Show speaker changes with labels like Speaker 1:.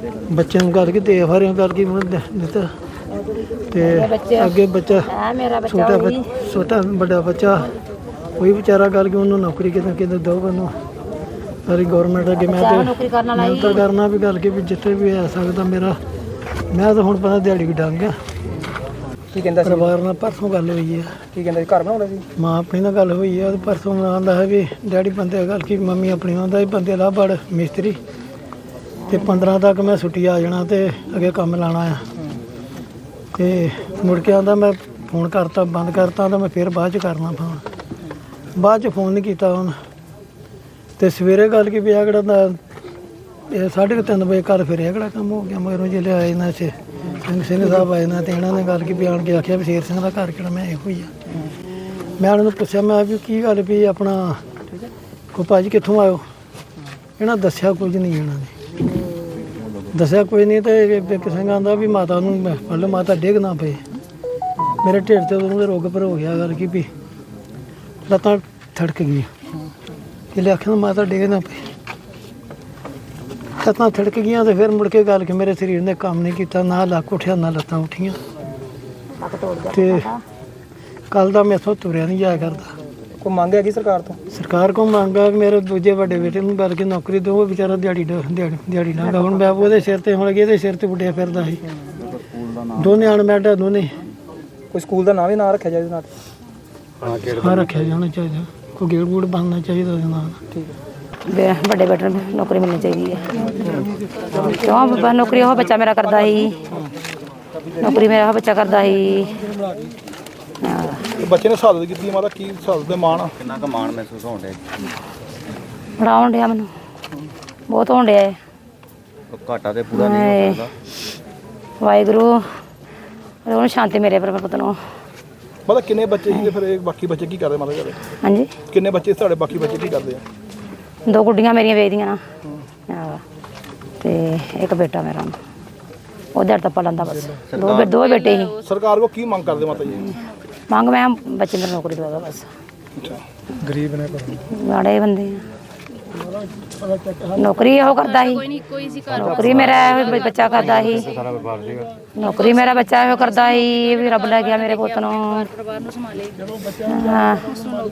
Speaker 1: ਬੱਚਿਆਂ ਨੂੰ ਕਰਕੇ ਦੇ ਫਾਰਿਆਂ ਕਰਕੇ ਮੈਨੂੰ ਦਿੱਤਾ ਤੇ ਅੱਗੇ ਬੱਚਾ ਛੋਟਾ ਵੱਡਾ ਬੱਚਾ ਕੋਈ ਵਿਚਾਰਾ ਕਰਕੇ ਉਹਨੂੰ ਨੌਕਰੀ ਕਿਤੇ ਦੋ ਉਹਨੂੰ ਸਾਰੀ ਗੌਰਮੈਂਟ ਅੱਗੇ ਮੈਂ ਤਾਂ ਕਰਨਾ ਵੀ ਗੱਲ ਕੇ ਵੀ ਜਿੱਥੇ ਵੀ ਆ ਸਕਦਾ ਮੇਰਾ ਮੈਂ ਤਾਂ ਹੁਣ ਪਤਾ ਦਿਹਾੜੀ ਵੀ ਡੰਗ ਆ।
Speaker 2: ਕੀ ਕਹਿੰਦਾ
Speaker 1: ਪਰਿਵਾਰ ਨਾਲ ਪਰਸੋਂ ਗੱਲ ਹੋਈ ਹੈ।
Speaker 2: ਕੀ ਕਹਿੰਦਾ ਘਰ ਬਣਾਉਣਾ ਸੀ?
Speaker 1: ਮਾਂ ਆਪਣੀ ਨਾਲ ਗੱਲ ਹੋਈ ਹੈ। ਪਰਸੋਂ ਆਉਂਦਾ ਹੈ ਵੀ ਡੈਡੀ ਬੰਦੇ ਗੱਲ ਕੀ ਮੰਮੀ ਆਪਣੀ ਆਉਂਦਾ ਵੀ ਬੰਦੇ ਲਾ ਬੜ ਮਿਸਤਰੀ ਤੇ 15 ਤੱਕ ਮੈਂ ਛੁੱਟੀ ਆ ਜਾਣਾ ਤੇ ਅੱਗੇ ਕੰਮ ਲਾਣਾ ਆ। ਤੇ ਮੁੜ ਕੇ ਆਉਂਦਾ ਮੈਂ ਫੋਨ ਕਰਤਾ ਬੰਦ ਕਰਤਾ ਤਾਂ ਮੈਂ ਫਿਰ ਬਾਅਦ 'ਚ ਕਰਨਾ ਫੋਨ। ਬਾਅਦ 'ਚ ਫੋਨ ਨਹੀਂ ਕੀਤਾ ਹੁਣ ਤੇ ਸਵੇਰੇ ਗੱਲ ਕੀ ਪਿਆ ਕਿਹੜਾ ਇਹ 3:30 ਵਜੇ ਘਰ ਫਿਰਿਆ ਕਿਹੜਾ ਕੰਮ ਹੋ ਗਿਆ ਮਗਰੋਂ ਜਿਹੜੇ ਆਏ ਨਾ ਇੱਥੇ ਸਿੰਘ ਸਾਹਿਬ ਆਏ ਨਾ ਤੇ ਇਹਨਾਂ ਨੇ ਗੱਲ ਕੀ ਬਿਆਨ ਕੇ ਆਖਿਆ ਵੀ ਸ਼ੇਰ ਸਿੰਘ ਦਾ ਘਰ ਕਿਹੜਾ ਮੈਂ ਇਹੋ ਹੀ ਆ। ਮੈਂ ਉਹਨਾਂ ਨੂੰ ਪੁੱਛਿਆ ਮੈਂ ਵੀ ਕੀ ਗੱਲ ਵੀ ਆਪਣਾ ਕੋ ਭਾਜੀ ਕਿੱਥੋਂ ਆਇਓ? ਇਹਨਾਂ ਦੱਸਿਆ ਕੁਝ ਨਹੀਂ ਇਹਨਾਂ ਨੇ ਦੱਸਿਆ ਕੋਈ ਨਹੀਂ ਤੇ ਕਿਸੇ ਆਂਦਾ ਵੀ ਮਾਤਾ ਨੂੰ ਮਤਲਬ ਮਾਤਾ ਡਿੱਗ ਨਾ ਪਏ ਮੇਰੇ ਢਿੱਡ ਤੇ ਉਹਦੇ ਰੋਗ ਪਰ ਹੋ ਗਿਆ ਗੱਲ ਕੀ ਵੀ ਲੱਤਾਂ ਥੜਕ ਗਈ ਕਿ ਆਖਿਆ ਮਾਤਾ ਡਿੱਗ ਨਾ ਪਏ ਲੱਤਾਂ ਥੜਕ ਗਈਆਂ ਤੇ ਫਿਰ ਮੁੜ ਕੇ ਗੱਲ ਕਿ ਮੇਰੇ ਸਰੀਰ ਨੇ ਕੰਮ ਨਹੀਂ ਕੀਤਾ ਨਾ ਲੱਕ ਉੱਠਿਆ ਨਾ ਲੱਤਾਂ ਉੱਠੀਆਂ ਤੇ ਕੱਲ ਦਾ ਮੈਥੋਂ ਤੁਰਿਆ ਨਹੀਂ ਜਾਇਆ ਕਰਦਾ।
Speaker 2: ਕੋਈ ਮੰਗ ਹੈਗੀ ਸਰਕਾਰ ਤੋਂ?
Speaker 1: ਸਰਕਾਰ ਕੋਲ ਮੰਗਾ ਮੇਰੇ ਦੂਜੇ ਵੱਡੇ ਬੇਟੇ ਨੂੰ ਗੱਲ ਕੇ ਨੌਕਰੀ ਦਿਓ ਉਹ ਵਿਚਾਰਾ ਦਿਹਾੜੀ ਨਾ ਹੁਣ ਮੈਂ ਉਹਦੇ ਸਿਰ ਤੇ ਹੁਣ ਇਹਦੇ ਸਿਰ ਤੇ ਉੱਡਿਆ ਫਿਰਦਾ ਸੀ ਦੋਨੇ ਅਣਮੈਡਾ ਦੋਨੇ।
Speaker 2: ਕੋਈ ਸਕੂਲ ਦਾ ਨਾਂ ਵੀ ਨਾਂ ਰੱਖਿਆ ਜਾਏ ਇਹਦੇ ਨਾਲ?
Speaker 1: ਹਾਂ ਰੱਖਿਆ ਜਾਣਾ ਚਾਹੀਦਾ ਕੋਈ ਗੇੜ ਗੂੜ ਬਣਨਾ ਚਾਹੀਦਾ ਉਹਦੇ ਨਾਲ।
Speaker 2: ਠੀਕ ਹੈ।
Speaker 3: ਵੱਡੇ ਬੇਟੇ ਨੂੰ ਨੌਕਰੀ ਮਿਲਣੀ ਚਾਹੀਦੀ ਹੈ ਕਿਉਂ ਨੌਕਰੀ ਉਹ ਬੱਚਾ ਮੇਰਾ ਕਰਦਾ ਸੀ ਨੌਕਰੀ ਮੇਰਾ ਉਹ ਬੱਚਾ ਕਰਦਾ ਸੀ।
Speaker 2: ਬੱਚੇ ਨੇ ਸ਼ਹਾਦਤ ਕੀਤੀ ਮਾਤਾ ਕੀ ਸ਼ਹਾਦਤ ਦੇ ਮਾਣ
Speaker 4: ਕਿੰਨਾ ਕੁ ਮਾਣ ਮਹਿਸੂਸ ਹੋਣ ਡਿਆ?
Speaker 3: ਬੜਾ ਹੋਣ ਡਿਆ ਮੈਨੂੰ ਬਹੁਤ ਹੋਣ ਡਿਆ ਹੈ।
Speaker 4: ਘਾਟਾ ਤੇ ਪੂਰਾ ਨਹੀਂ ਹੋ ਸਕਦਾ।
Speaker 3: ਵਾਹਿਗੁਰੂ ਉਹਨੂੰ ਸ਼ਾਂਤੀ ਮੇਰੇ ਪਰ ਪੁੱਤ ਨੂੰ।
Speaker 2: ਮਾਤਾ ਕਿੰਨੇ ਬੱਚੇ ਸੀ ਫਿਰ ਬਾਕੀ ਬੱਚੇ ਕੀ ਕਰਦੇ ਮਾਤਾ ਘਰੇ?
Speaker 3: ਹਾਂਜੀ
Speaker 2: ਕਿੰਨੇ ਬੱਚੇ ਤੁਹਾਡੇ ਬਾਕੀ ਬੱਚੇ ਕੀ ਕਰਦੇ ਆ?
Speaker 3: 2 ਗੁੱਡੀਆਂ ਮੇਰੀਆਂ ਵੇਚਦੀਆਂ ਨਾ ਤੇ ਇੱਕ ਬੇਟਾ ਮੇਰਾ ਉਹ ਦਿਹਾੜੀ ਟੱਪਾ ਲੈਂਦਾ ਬਸ। ਦੋ ਬੇਟੇ ਸੀ।
Speaker 2: ਸਰਕਾਰ ਕੋ ਕੀ ਮੰਗ ਕਰਦੇ ਮਾਤਾ ਜੀ?
Speaker 3: ਮੰਗ ਮੈਂ ਬੱਚੇ ਨੂੰ ਨੌਕਰੀ ਦਵਾ ਬਸ।
Speaker 2: ਅੱਛਾ
Speaker 1: ਗਰੀਬ ਨੇ
Speaker 3: ਮਾੜੇ ਬੰਦੇ ਆ ਨੌਕਰੀ ਇਹੋ ਕਰਦਾ ਸੀ ਨੌਕਰੀ ਮੇਰਾ ਇਹੋ ਬੱਚਾ ਕਰਦਾ ਸੀ ਨੌਕਰੀ ਮੇਰਾ ਬੱਚਾ ਇਹੋ ਕਰਦਾ ਸੀ ਵੀ ਰੱਬ ਲੈ ਗਿਆ ਮੇਰੇ ਪੁੱਤ ਨੂੰ। ਹਾਂ